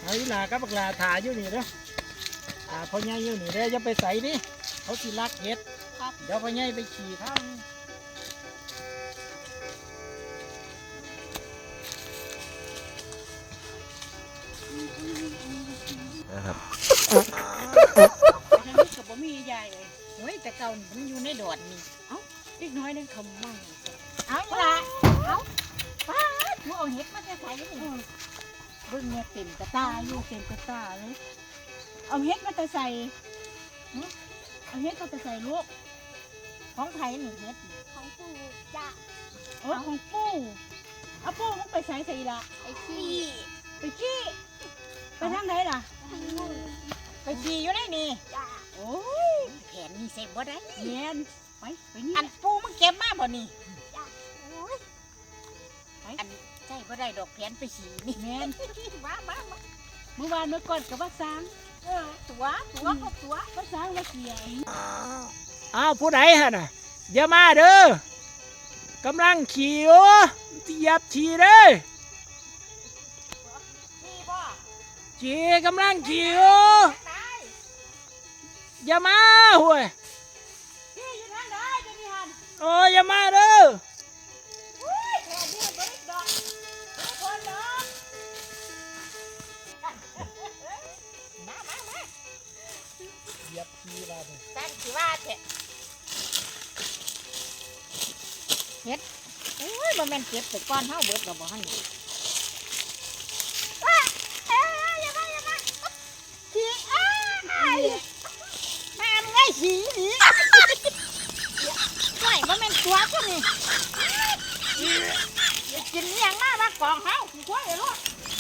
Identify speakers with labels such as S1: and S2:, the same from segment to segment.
S1: เอาอีหลากับบักหลาถ่ายอยู่นี่เด้อพ่อใหญ่อยู่นี่เด้ออย่าไปใส่ดิเขาสิรักเห็ดเดี๋ยวพ่อใหญ่ไปขี่ข้าง
S2: นะครับ
S3: ทางนี้กับบ่มียายเลยโอ้ยแต่เก่ามันอยู่ในดอดนี่เอ้าเล็กน้อยนั่นคำมั่งเอาละเอาป้าหัวเอาเห็ดมาจะใส่นี่เบิ่งเนี่ยเต็มกระตาอยู่เต็มกระตาเลยเอาเห็ดมาจะใส่เอาเห็ดมาจะใส่ลูกของไผ่หนึ่งเห็ดของปู่จ้ะโอ้ของปู่เอาปู่มึงไปใส่ใส่ละไปขี้ไปทางไหนล่ะไปขี่อยู่ได้นี่โอ้ยแผนนี่เสร็จบ่ได้แผนไปนี่อันปูมึงเก็บมาบ่นี่อันใช่บ่ได้ดอกแผนไปขี่นี่แม่นมาเมื่อวานเมื่อก่อนกับว่าสร้างตัวว่าสร้างว่าเกี่ยว
S1: อ้าวผู้ใดฮะน่ะอย่ามาเด้อกำลังขี่โอ้เหยียบขี่เด้ขี่กำลังขี่โอ้อย่ามาห่วยโอ้อย่ามาเด้อเหยียบขี่บ้านตั้งขี่ว่าเถอะเฮ็ดโอ้ยบ่แม่นเก็บแต่ก้อนเฮาเบิดก็บ่หั่นนี่ขี่นี่ไม่ว่ามันตัวก็นี่กินยังมากมากองเขากล้วยลูก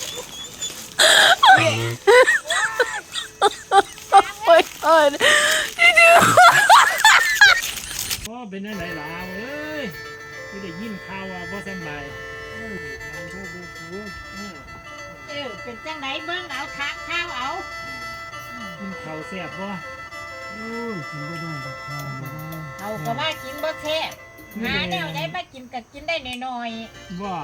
S1: พ่อเป็นอะไรล่ะเอ้ยไม่ได้ยินข่าวว่าพ่อสบาย
S3: เป็นจังไหนเบิ้งเอาทักข้าวเอา
S1: กินข้าวแซ่บบ่
S3: เอาก็ว่ากินบ่แซ่บหาแนวได้มากินก็กินได้น้อย
S1: ๆบ่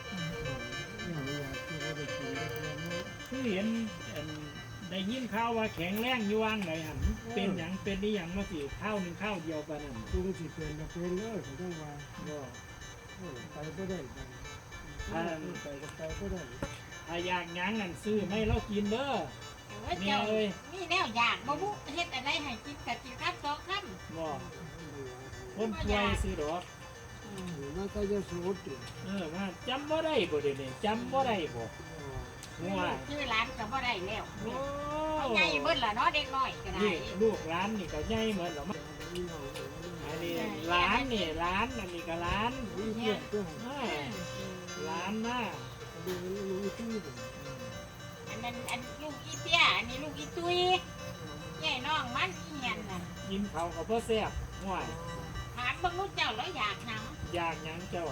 S1: คือเห็นได้ยินข่าวว่าแข็งแรงอยู่ว่างไหนหันเป็นอย่างเป็นนี่อย่างมาสิข้าวหนึ่งข้าวเดียวกันนั่น
S4: กูสิเป็นก็เป็นเลยเขาต้องว่า
S1: บ่
S4: ไปบ่ได้ไปบ่ได้
S1: ถ้าอยากยั้งนั่นซื้อไม่เรากินเด้อ
S3: เจ้ามีแนวอยากบ่บุเฮ็ดอะไรให้กินกับกินครับสองคำ
S1: บ่คนป่วยซื้อดอก
S4: มันก็จะสูด
S1: มาจำบ่ได้บ่เดี๋ยวนี้จำบ่ได้บ่
S3: ชื่อร้านก็บ่ได้แล้วใหญ่เบิดล่ะเนาะเด็กน้อยก็ได้
S1: ลูกร้านนี่ก็ใหญ่เหมือนหรออันนี้ร้านนี่ร้านอันนี้ก็ร้านร้านมาก
S3: อันนั้นอันลูกอีเตี้ยอันนี้ลูกอีตุ้ยใหญ่น้องมันอีเหียนน่ะ
S1: กินเขาก็เพื่อแซ่บห่วย
S3: ถามบางลูกเจ้าแล้วอยากหนัง
S1: อยากหยังเจ้า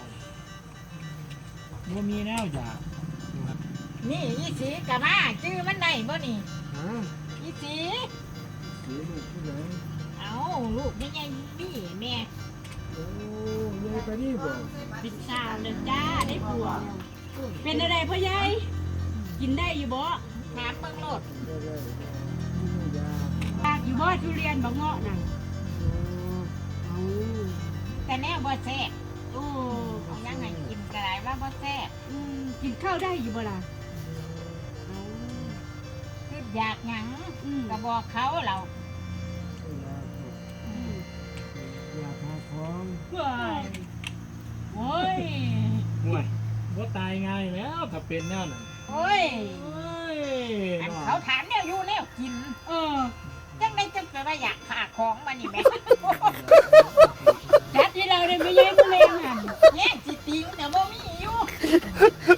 S1: บ่มีแนวอยาก
S3: นี่อีสีกะมาชื่อมันได้บ่นี่อีสีเอาลูกนี่ไงนี่แม่
S4: โอ้ยายไปนี่บ่
S3: ปิดสาวเลยจ้าได้ผัวเป็นอะไรพ่อใหญ่กินได้อยู่บ่ถามเบิ่งโลดอยากอยู่บ่ทุเรียนบ่เงาะน่ะแต่แน่บ่แซ่บโอ้เอายังไงกินก็ได้ว่าบ่แซ่บกินข้าวได้อยู่บ่ล่ะคืออยากหยังก็บอกเขาเรา
S4: อยากหาของ
S3: โอ้ย
S1: ว่าตายง่ายแล้วถ้าเป็นแนวนั้น
S3: โอ้ยเขาถามเนี่ยอยู่แล้วกินจังได้จังไปว่าอยากขาของมานี่แม่จัดที่เราได้ไม่แย่งเล่นหันแย่งจิตติงแต่บ่มีอยู่